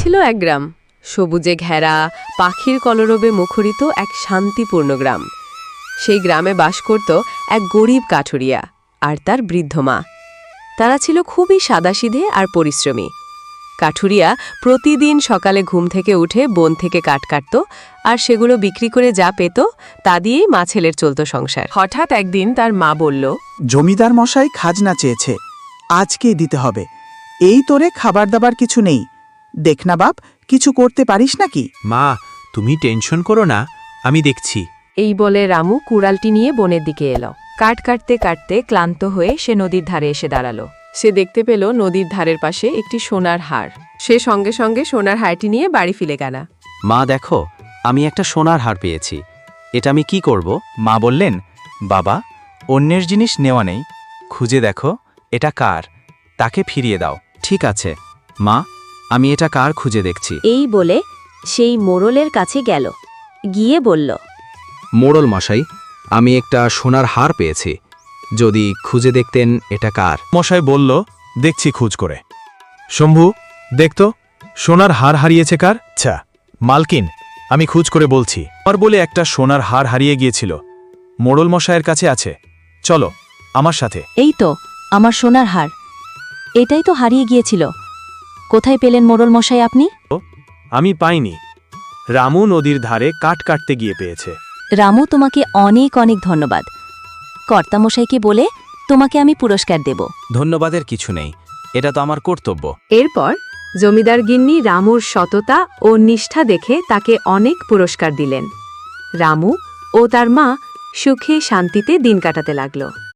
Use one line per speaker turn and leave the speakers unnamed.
ছিল এক গ্রাম, সবুজে ঘেরা, পাখির কলরবে মুখরিত এক শান্তিপূর্ণ গ্রাম। সেই গ্রামে বাস করত এক গরিব কাঠুরিয়া আর তার বৃদ্ধ মা। তারা ছিল খুবই সাদাসিধে আর পরিশ্রমী। কাঠুরিয়া প্রতিদিন সকালে ঘুম থেকে উঠে বন থেকে কাঠ কাটত, আর সেগুলো বিক্রি করে যা পেত তা দিয়েই মা ছেলের চলত সংসার। হঠাৎ একদিন তার মা বলল,
জমিদার মশাই খাজনা চেয়েছে, আজকেই দিতে হবে। এই তোরে খাবার দাবার কিছু নেই, দেখ না বাপ, কিছু করতে পারিস নাকি?
মা, তুমি টেনশন করো না, আমি দেখছি।
এই বলে রামু কুড়ালটি নিয়ে বনের দিকে এলো। কাঠ কাটতে কাটতে ক্লান্ত হয়ে সে নদীর ধারে এসে দাঁড়ালো।
সে দেখতে পেল নদীর ধারের পাশে একটি সোনার হার। সে সঙ্গে সঙ্গে সোনার হারটি নিয়ে বাড়ি ফিরে গেল।
মা দেখো, আমি একটা সোনার হার পেয়েছি, এটা আমি কি করব?
মা বললেন, বাবা, অন্যের জিনিস নেওয়া নেই, খুঁজে দেখো এটা কার, তাকে ফিরিয়ে দাও।
ঠিক আছে মা, আমি এটা কার খুঁজে দেখছি।
এই বলে সেই মোড়লের কাছে গেল, গিয়ে বলল,
মোড়ল মশাই, আমি একটা সোনার হার পেয়েছি, যদি খুঁজে দেখতেন এটা কার।
মশাই বলল, দেখছি খোঁজ করে। শম্ভু, দেখতো সোনার হার হারিয়েছে কার? আচ্ছা মালকিন, আমি খোঁজ করে বলছি। আমার বলে একটা সোনার হার হারিয়ে গিয়েছিল, মোড়ল মশাইয়ের কাছে আছে, চলো আমার সাথে।
এই তো আমার সোনার হার, এটাই তো হারিয়ে গিয়েছিল। কোথায় পেলেন মোড়ল মশাই আপনি?
আমি পাইনি, রামু নদীর ধারে কাঠ কাটতে গিয়ে পেয়েছে।
রামু, তোমাকে অনেক অনেক ধন্যবাদ। কর্তামশাইকে বলে তোমাকে আমি পুরস্কার দেব।
ধন্যবাদের কিছু নেই, এটা তো আমার কর্তব্য।
এরপর জমিদার গিন্নি রামুর সততা ও নিষ্ঠা দেখে তাকে অনেক পুরস্কার দিলেন। রামু ও তার মা সুখে শান্তিতে দিন কাটাতে লাগল।